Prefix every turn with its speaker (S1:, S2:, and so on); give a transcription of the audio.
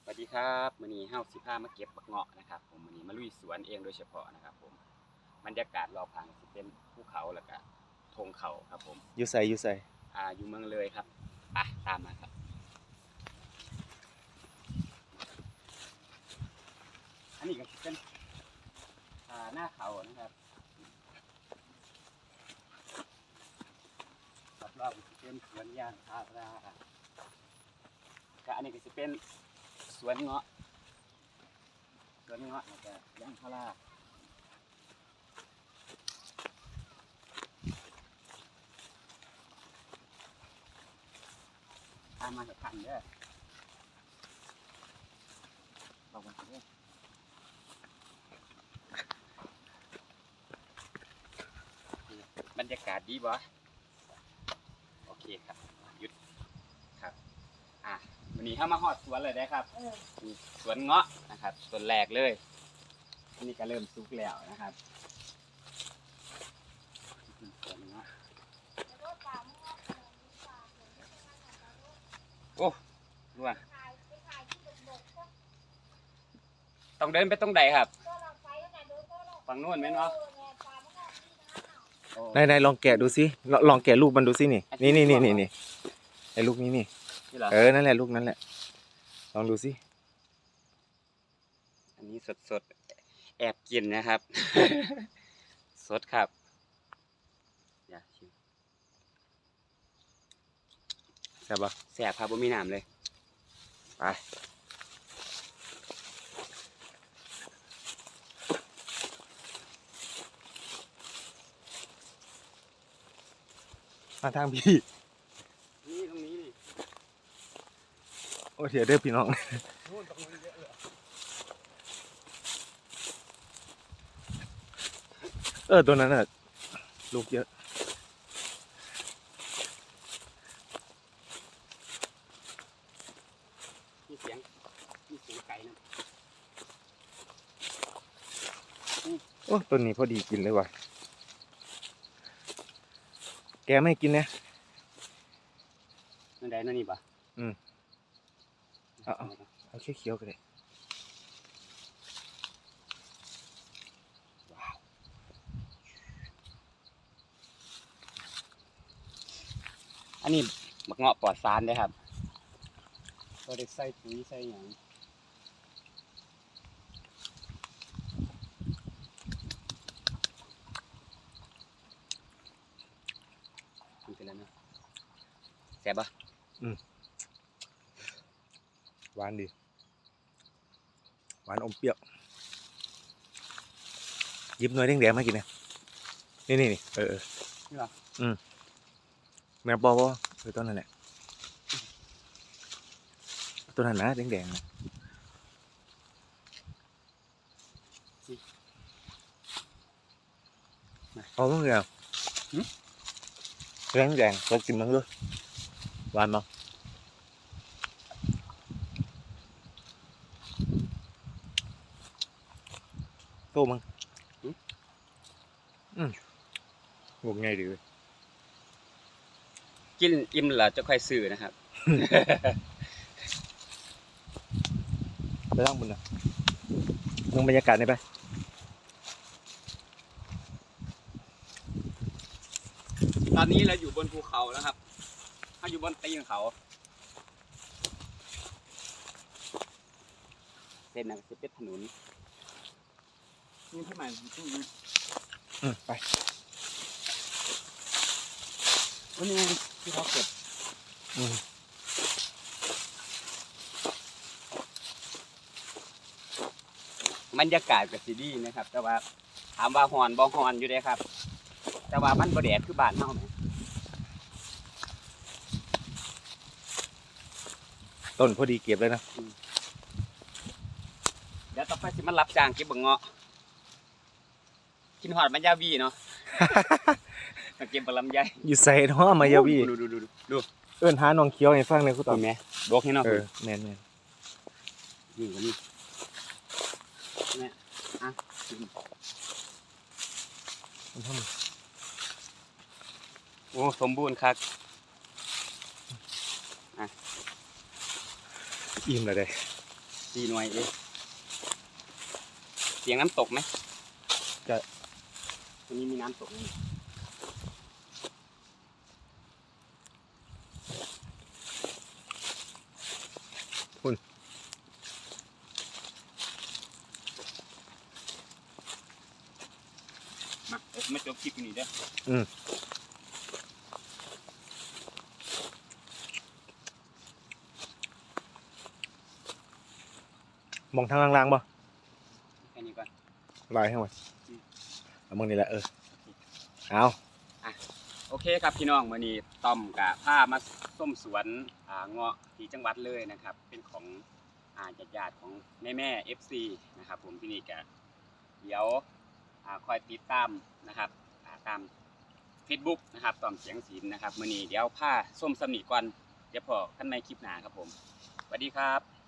S1: สวัสดีครับมื้อนี้เฮาสิพามาเก็บบักเงาะนะครับผมมื้อนี้มาลุยสวนเองโดยเฉพาะนะครับผมบรรยากาศรอบข้างสิเป็นภูเขาแล้วก็ทงเขาครับผม
S2: อยู่ใส่
S1: อยู่เมืองเลยครับไปตามมาครับอันนี้ก็สิเป็นหน้าเขานะครับรอบๆสิเป็นสวนยางพาราก็อันนี้ก็สิเป็นสวนเงาะแล้วก็ยางพาราตามมาสักพันเด้อบอกมาเด้อบรรยากาศดีบ่โอเคครับหยุดครับวันนี้เข้ามาฮอดสวนเลยได้ครับสวนเงาะนะครับต้นแรกเลยอันนี้ก็เริ่มสุกแล้วนะครับสวนเงาะโอ้ดูว่าต้องเดินไปตรงใดครับฝั่งโน้นไหมเนาะ
S2: นายลองแกะดูสิลองแกะลูกมันดูสินี่ไอ้ลูกนี้นี่นั่นแหละลูกนั้นแหละลองดูสิ
S1: อันนี้สดแอบกินนะครับ สดครับอย่าชิม
S2: แซ่บปะ
S1: แสบครับบ่มีน้ำเลยไป
S2: มาทางพี่
S1: นี่ตรงนี้นี่
S2: โอ้เดี๋ยวเด้อพี่น้อง
S1: นู่นตรงนู้นเยอะเลย
S2: ตัวนั้นน่ะลูกเยอะ
S1: มีเสียงไก่นะ
S2: โอ้ต้นนี้พอดีกินเลยว่ะแกไม่กินนะ
S1: นั่นใดนั่นนี่ปะ
S2: เอาเคี้ยวๆกันเลย
S1: อันนี้บักเงาะปลอดสารเด้ครับก็ได้ใส่ปุ๋ยใส่หยังทำไปแล้วเนาะแซ่บปะ
S2: หวานดีหวานอมเปรี้ยวหยิบหน่อยแดงๆมากินนะนี่
S1: นี่หรอ
S2: แมวปอต้นนั่นแหละต้นนั้นนะแดงๆนะเอาต้องเดียวแดงเรากินมันด้วยหวานมั้งโตมั้งงงไงดีเลย
S1: กินอิ่มแล้วจะค่อยซื้อนะครับ
S2: ไปล่างบนนะลงบรรยากาศได้ไหม
S1: ตอนนี้เราอยู่บนภูเขาแล้วครับถ้าอยู่บนตีนเขาเส้นนั้นจะเป็นถนนนี่เท่าไหร่
S2: ไป
S1: วันนี้ที่เขาเก็บบรรยากาศก็สิดีนะครับแต่ว่าถามว่าฮอนบ่ฮอนอยู่เด้ครับแต่ว่ามันบ่แดดคือบ้านเฮาแหม
S2: ต้นพอดีเก็บเลยนะ
S1: เดี๋ยวต่อไปสิมันรับจ้างเก็บบักเงาะกินหอดมันยาวีเนาะ เก็บบักลำไย
S2: อยู่ใส่เนาะมายาวี
S1: ดู
S2: หาน้องเคี้ยวให้ฟังเลยคุณต่อ
S1: แม่ดกให้เนาะ
S2: แม่น
S1: นี่ก็นี่แม่โอ้สมบูรณ์ครับ
S2: อิ่มเลย
S1: 4 หน่วยเองเสียงน้ำตกไหม
S2: จะ
S1: ตรงนี้มีน้ำตกนี่มาเดี๋ยวมาจบคลิปอยู่นี่เด้อ
S2: มองทางล่างๆบ่
S1: แค่นี้ก่อน
S2: ลายให้หมดเอามึงนี่แหละเอา
S1: โอเคครับพี่น้องมื้อนี้ต้อมกับพามาส้มสวนเงาะที่จังหวัดเลยนะครับ เป็นของญาติๆของแม่ๆ FC นะครับผมที่นี่ก็เดี๋ยวคอยติดตามนะครับตาม Facebook นะครับต้อมเสียงศิลป์นะครับมื้อนี้เดี๋ยวพาส้มสำนีก่อนเดี๋ยวพอกันในคลิปหน้าครับผมสวัสดีครับ